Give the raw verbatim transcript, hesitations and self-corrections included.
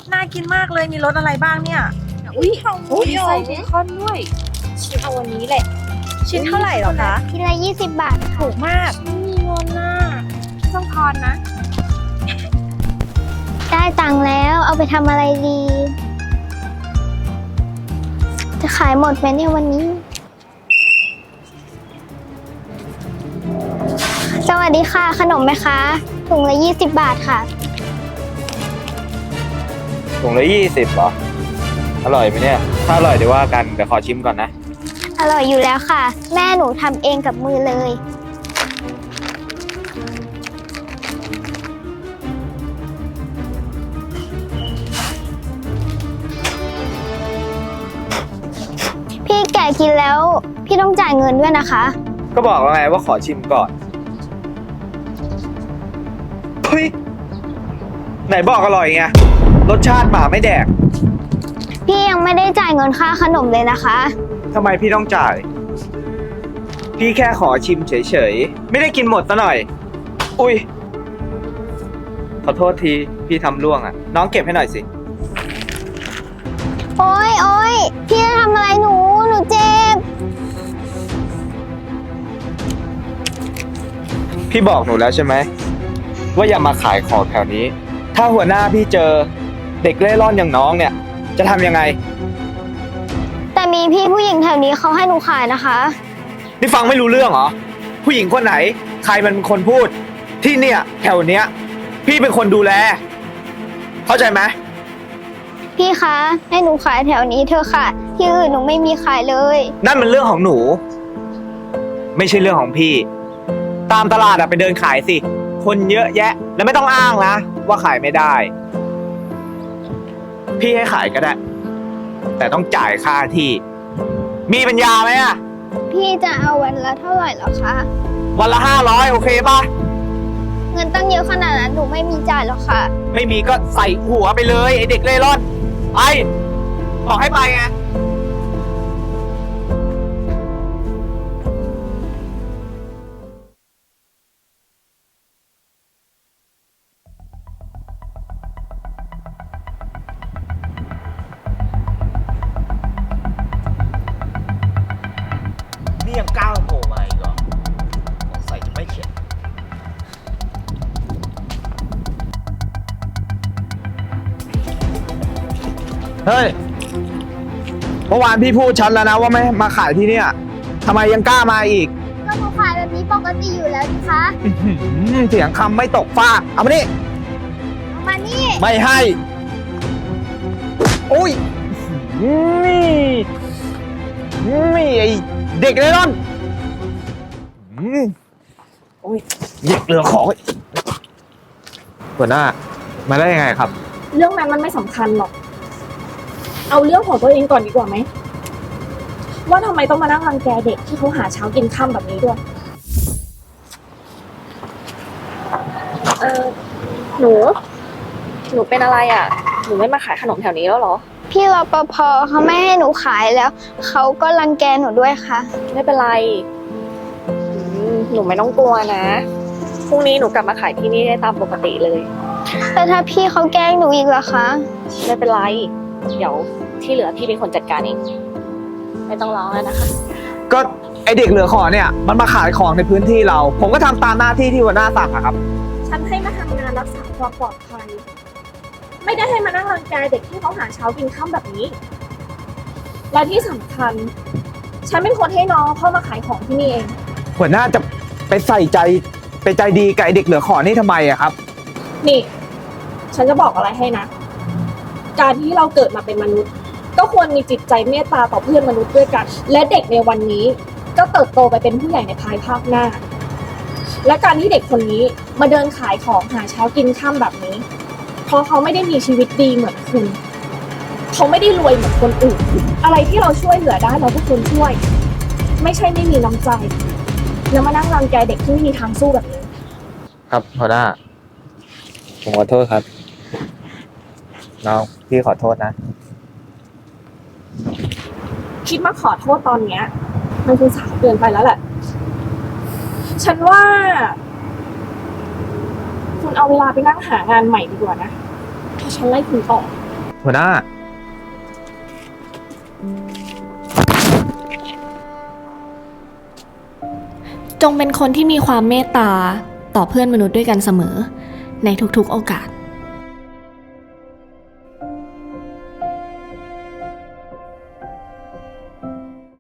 น่ากินมากเลยมีรสอะไรบ้างเนี่ยอุ้ยอุ้ยใส่เบคอนด้วยชิ้นเอาวันนี้แหละชิ้นเท่าไหร่หรอคะทีละยี่สิบบาทถูกมากไม่มีเงินน่ะต้องทอนนะได้ตังค์แล้วเอาไปทำอะไรดี จะขายหมดไหมเนี่ยวันนี้ สวัสดีค่ะขนมไหมคะถุงละยี่สิบบาทค่ะถุงละยี่สิบเหรออร่อยไหมเนี่ยถ้าอร่อยเดี๋ยวว่ากันเดี๋ยวขอชิมก่อนนะอร่อยอยู่แล้วค่ะแม่หนูทำเองกับมือเลยพี่แกะกินแล้วพี่ต้องจ่ายเงินด้วยนะคะก็บอกแล้วไงว่าขอชิมก่อนเฮ้ยไหนบอกอร่อยไงรสชาติหมาไม่แดกพี่ยังไม่ได้จ่ายเงินค่าขนมเลยนะคะทำไมพี่ต้องจ่ายพี่แค่ขอชิมเฉยๆไม่ได้กินหมดซะหน่อยอุ้ยขอโทษทีพี่ทำร่วงอ่ะน้องเก็บให้หน่อยสิโอ๊ยโอ๊ยพี่จะทำอะไรหนูหนูเจ็บพี่บอกหนูแล้วใช่ไหมว่าอย่ามาขายของแถวนี้ถ้าหัวหน้าพี่เจอเด็กเล่ร่อนอย่างน้องเนี่ยจะทำยังไงแต่มีพี่ผู้หญิงแถวนี้เขาให้หนูขายนะคะนี่ฟังไม่รู้เรื่องเหรอผู้หญิงคนไหนใครมันเป็นคนพูดที่เนี่ยแถวเนี้ยพี่เป็นคนดูแลเข้าใจไหมพี่คะให้หนูขายแถวนี้เถอะค่ะที่อื่นหนูไม่มีขายเลยนั่นมันเรื่องของหนูไม่ใช่เรื่องของพี่ตามตลาดอะไปเดินขายสิคนเยอะแยะแล้วไม่ต้องอ้างนะว่าขายไม่ได้พี่ให้ขายก็ได้แต่ต้องจ่ายค่าที่มีปัญญาไหมอะพี่จะเอาวันละเท่าไหร่หรอคะวันละห้าร้อยโอเคป่ะเงินตั้งเยอะขนาดนั้นหนูไม่มีจ่ายหรอกค่ะไม่มีก็ใส่หัวไปเลยไอเด็กเล่ร่อนไปบอกให้ไปไงนี่ยังก้าวโผล่มาอีกเหรอสงสัยจะไม่เข็ดเฮ้ยเมื่อวานพี่พูดชัดแล้วนะว่าไม่มาขายที่เนี่ยทำไมยังกล้ามาอีกก็หนูขายแบบนี้ปกติอยู่แล้วนะคะเสียงคำไม่ตกฟากเอามานี่เอามานี่ไม่ให้โอ้ยนี่นี่ไอเด็กเล่ร่อนโอ้ยเด็กเหลือของหัวหน้ามาได้ยังไงครับเรื่องนั้นมันไม่สำคัญหรอกเอาเรื่องของตัวเองก่อนดีกว่าไหมว่าทำไมต้องมานั่งรังแกเด็กที่เขาหาเช้ากินค่ำแบบนี้ด้วยเออหนูหนูเป็นอะไรอ่ะหนูไม่มาขายขนมแถวนี้แล้วหรอพี่รปภเขาไม่ให้หนูขายแล้วเขาก็รังแกหนูด้วยค่ะไม่เป็นไรหนูไม่ต้องกลัวนะพรุ่งนี้หนูกลับมาขายที่นี่ได้ตามปกติเลยแต่ถ้าพี่เขาแกล้งหนูอีกล่ะคะไม่เป็นไรเดี๋ยวที่เหลือพี่เป็นคนจัดการเองไม่ต้องร้องแล้วนะคะก็ไอเด็กเหลือขอเนี่ยมันมาขายของในพื้นที่เราผมก็ทำตามหน้าที่ที่หัวหน้าสั่งอะครับฉันให้มาทำงานรักษาความปลอดภัยไม่ได้ให้มานั่งรังแกเด็กที่เขาหาเช้ากินค่ำแบบนี้และที่สำคัญฉันเป็นคนให้น้องเข้ามาขายของที่นี่เองหัวหน้าจะไปใส่ใจไปใจดีกับไอเด็กเหลือขอนี่ทำไมอะครับนี่ฉันจะบอกอะไรให้นะการที่เราเกิดมาเป็นมนุษย์ก็ควรมีจิตใจเมตตาต่อเพื่อนมนุษย์ด้วยกันและเด็กในวันนี้ก็เติบโตไปเป็นผู้ใหญ่ในภายภาคหน้าและการที่เด็กคนนี้มาเดินขายของหาเช้ากินค่ำแบบนี้เพราะเขาไม่ได้มีชีวิตดีเหมือนคุณเขาไม่ได้รวยเหมือนคนอื่นอะไรที่เราช่วยเหลือได้เราก็ควรช่วยไม่ใช่ไม่มีน้ำใจแล้วมานั่งรังแกเด็กที่ไม่มีทางสู้แบบนี้ครับหัวหน้าผมขอโทษครับน้องพี่ขอโทษนะคิดมาขอโทษตอนเนี้ยมันคือสายเกินไปแล้วแหละฉันว่าคุณเอาเวลาไปนั่งหางานใหม่ดีกว่านะถ้าฉันไล่คุณออกหัวหน้าจงเป็นคนที่มีความเมตตาต่อเพื่อนมนุษย์ด้วยกันเสมอในทุกๆโอกาส